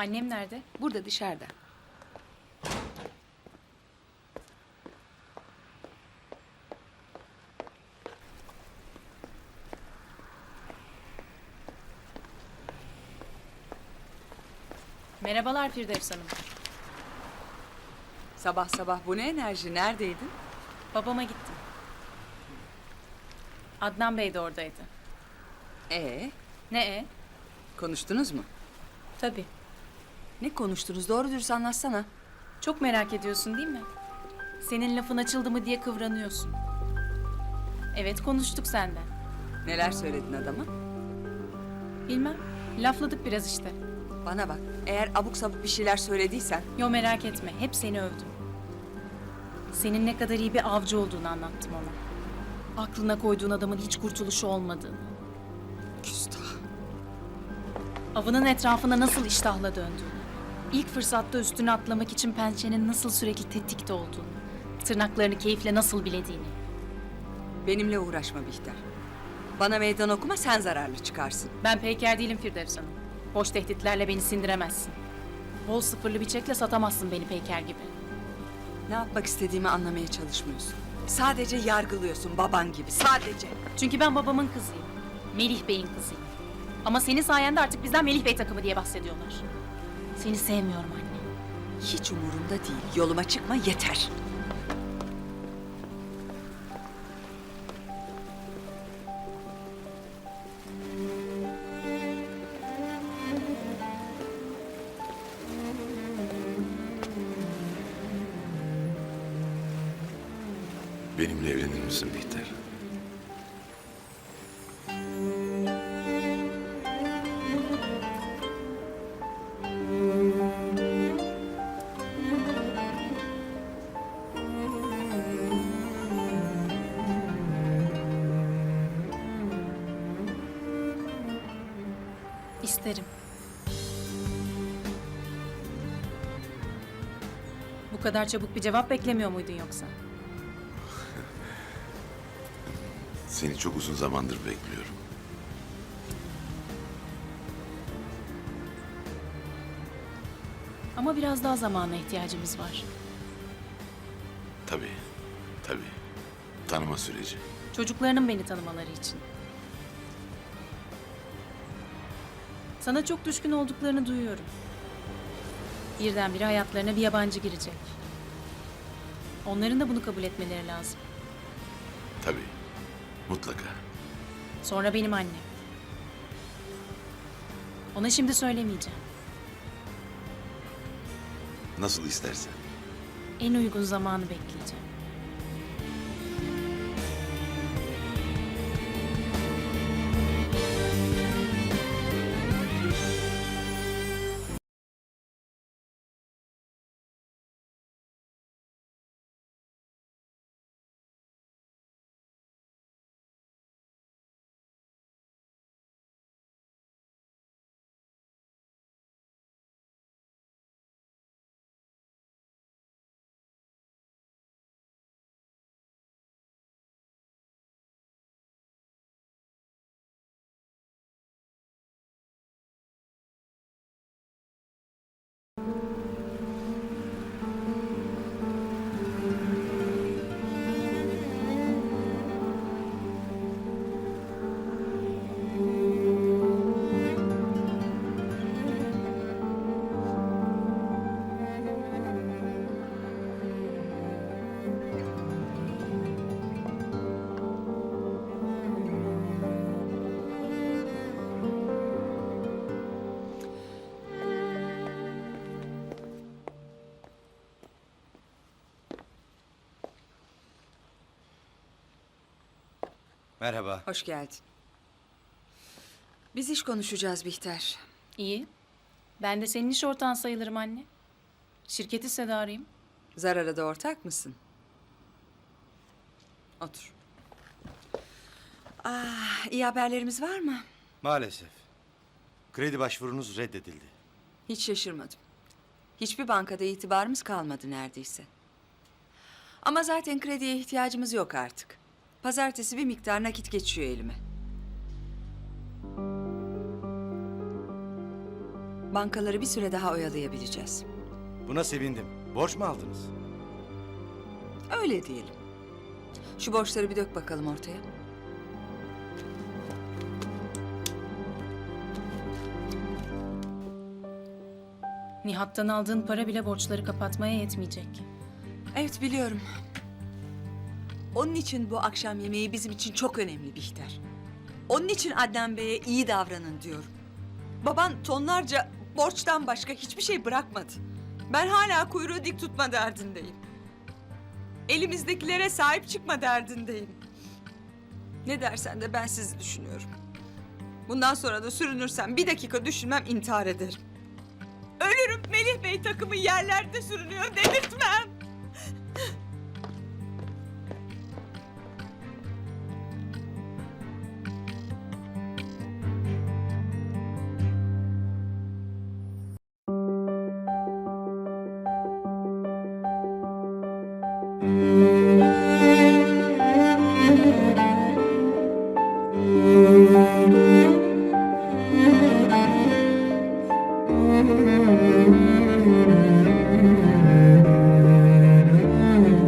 Annem nerede? Burada dışarıda. Merhabalar Firdevs Hanım. Sabah sabah bu ne enerji? Neredeydin? Babama gittim. Adnan Bey de oradaydı. Ne? Konuştunuz mu? Tabii. Ne konuştunuz? Doğru dürüst anlatsana. Çok merak ediyorsun değil mi? Senin lafın açıldı mı diye kıvranıyorsun. Evet, konuştuk senden. Neler söyledin adama? Bilmem. Lafladık biraz işte. Bana bak. Eğer abuk sabuk bir şeyler söylediysen... Yo, merak etme. Hep seni övdüm. Senin ne kadar iyi bir avcı olduğunu anlattım ona. Aklına koyduğun adamın hiç kurtuluşu olmadığını. Küstah. Avının etrafına nasıl iştahla döndüğünü. İlk fırsatta üstüne atlamak için pençenin nasıl sürekli tetikte olduğunu. Tırnaklarını keyifle nasıl bilediğini. Benimle uğraşma Bihter. Bana meydan okuma, sen zararlı çıkarsın. Ben peyker değilim Firdevs Hanım. Boş tehditlerle beni sindiremezsin. Bol sıfırlı bir çekle satamazsın beni peyker gibi. Ne yapmak istediğimi anlamaya çalışmıyorsun. Sadece yargılıyorsun baban gibi, sadece. Çünkü ben babamın kızıyım. Melih Bey'in kızıyım. Ama senin sayende artık bizden Melih Bey takımı diye bahsediyorlar. Seni sevmiyorum anne. Hiç umurumda değil. Yoluma çıkma yeter. Benimle evlenir misin Bihter? İsterim. Bu kadar çabuk bir cevap beklemiyor muydun yoksa? Seni çok uzun zamandır bekliyorum. Ama biraz daha zamana ihtiyacımız var. Tabii, tabii. Tanıma süreci. Çocuklarının beni tanımaları için. Sana çok düşkün olduklarını duyuyorum. Birdenbire hayatlarına bir yabancı girecek. Onların da bunu kabul etmeleri lazım. Tabii, mutlaka. Sonra benim annem. Ona şimdi söylemeyeceğim. Nasıl istersen. En uygun zamanı bekleyeceğim. Merhaba. Hoş geldin. Biz iş konuşacağız Bihter. İyi. Ben de senin iş ortağın sayılırım anne. Şirket hissedarıyım. Zarara da ortak mısın? Otur. İyi haberlerimiz var mı? Maalesef. Kredi başvurunuz reddedildi. Hiç şaşırmadım. Hiçbir bankada itibarımız kalmadı neredeyse. Ama zaten krediye ihtiyacımız yok artık. Pazartesi bir miktar nakit geçiyor elime. Bankaları bir süre daha oyalayabileceğiz. Buna sevindim. Borç mu aldınız? Öyle diyelim. Şu borçları bir dök bakalım ortaya. Nihat'tan aldığın para bile borçları kapatmaya yetmeyecek. Evet, biliyorum. Onun için bu akşam yemeği bizim için çok önemli Bihter. Onun için Adnan Bey'e iyi davranın diyorum. Baban tonlarca borçtan başka hiçbir şey bırakmadı. Ben hala kuyruğu dik tutma derdindeyim. Elimizdekilere sahip çıkma derdindeyim. Ne dersen de ben sizi düşünüyorum. Bundan sonra da sürünürsem bir dakika düşünmem, intihar ederim. Ölürüm, Melih Bey takımı yerlerde sürünüyor dedirtmem.